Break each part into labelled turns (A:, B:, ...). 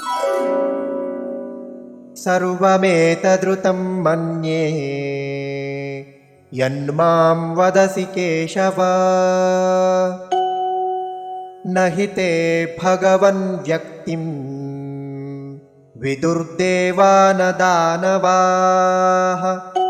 A: सर्वमेतदृतं मन्ये यन्मां वदसि केशव न हि ते भगवन् व्यक्तिं विदुर्देवा न दानवाः।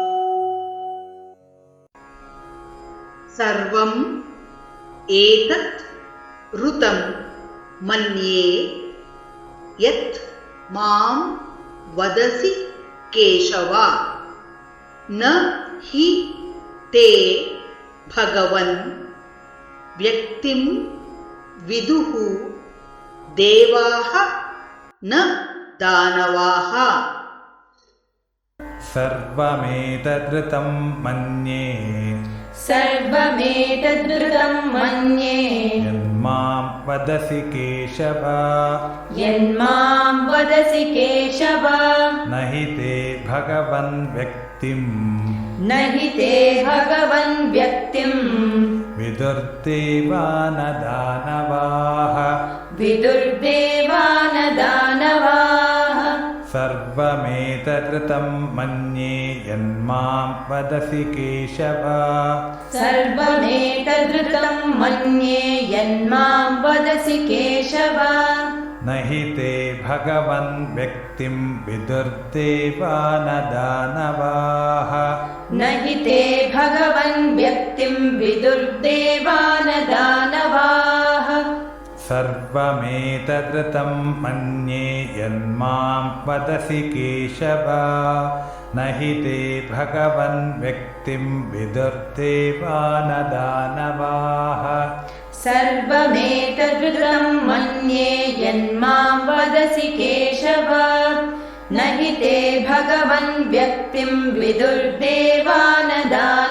B: सर्वं एतत् ऋतं मन्ये यत् मां वदसि केशव न हि ते भगवन् व्यक्तिं विदुः देवाः न दानवाः।
C: सर्वमेतदृतं मन्ये
D: सर्वमेतदृतं मन्ये
C: यन्मां वदसि केशव
D: यन्मां वदसि केशव
C: न हि ते भगवन् व्यक्तिं
D: न हि ते भगवन् व्यक्तिं
C: विदुर्देवा न दानवाः
D: विदुर्देवा न दानवाः।
C: सर्वमेतदृतं मन्ये यन्मां वदसि केशव
D: सर्वमेतदृतं मन्ये यन्मां वदसि केशव
C: न हि ते भगवन् व्यक्तिं विदुर्देवा न दानवाः
D: न हि ते भगवन् व्यक्तिं विदुर्देवा न दानवाः।
C: सर्वमेतदृतं मन्ये यन्मां वदसि केशव न हि ते भगवन् व्यक्तिं विदुर्देवा न दानवाः।
D: सर्वमेतदृतं मन्ये यन्मां वदसि केशव न हि ते भगवन् व्यक्तिं विदुर्देवा न दानवाः।